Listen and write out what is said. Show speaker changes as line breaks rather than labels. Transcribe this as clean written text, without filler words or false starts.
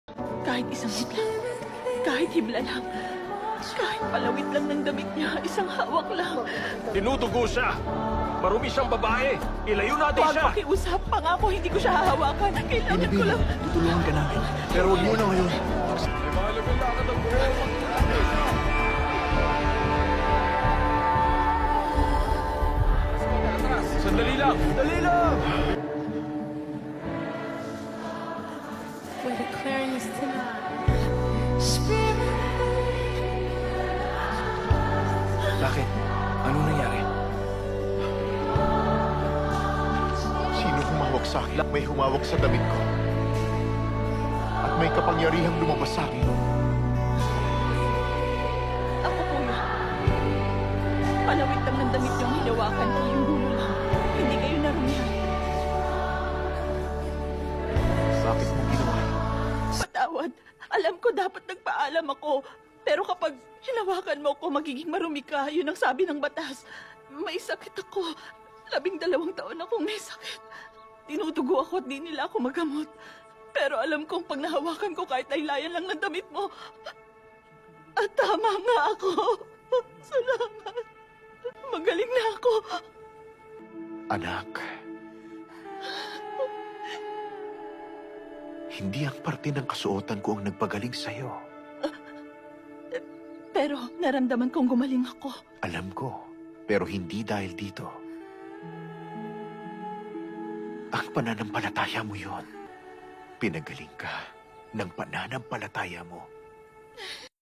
Kahit isang hibla, kahit hibla lang, kahit palawit lang ng damit niya, isang hawak lang.
Tinutugo siya. Marumi siyang babae. Ilayo natin
Huwag
siya.
makiusap, pangako hindi ko siya hahawakan. Kailangan ko lang.
Tutulungan ka namin. Pero huwag muna ngayon.
May mahalagang lakad ang buhay. Sandali lang! Sandali lang!
We're declaring this tonight.
Bakit? Ano nangyari?
Sino humawak sa akin? May humawak sa damit ko. At may kapangyarihang lumabas sa akin.
Ako po na. Palawit lang ng damit niyong hinawakan ko yung dulo lang. Hindi kayo narumihan.
Bakit mo ginawa?
Patawad. Alam ko dapat nagpaalam ako. Pero kapag hinawakan mo ako, magiging marumi ka. Yun ang sabi ng batas. May sakit ako. 12 taon akong may sakit. Tinutugo ako at di nila ako magamot. Pero alam kong pag nahawakan ko kahit laylayan lang ng damit mo. At tama nga ako. Salamat. Magaling na ako.
Anak. Hindi ang parte ng kasuotan ko ang nagpagaling sa'yo.
Pero naramdaman kong gumaling ako.
Alam ko. Pero hindi dahil dito. Ang pananampalataya mo yon. Pinagaling ka ng pananampalataya mo.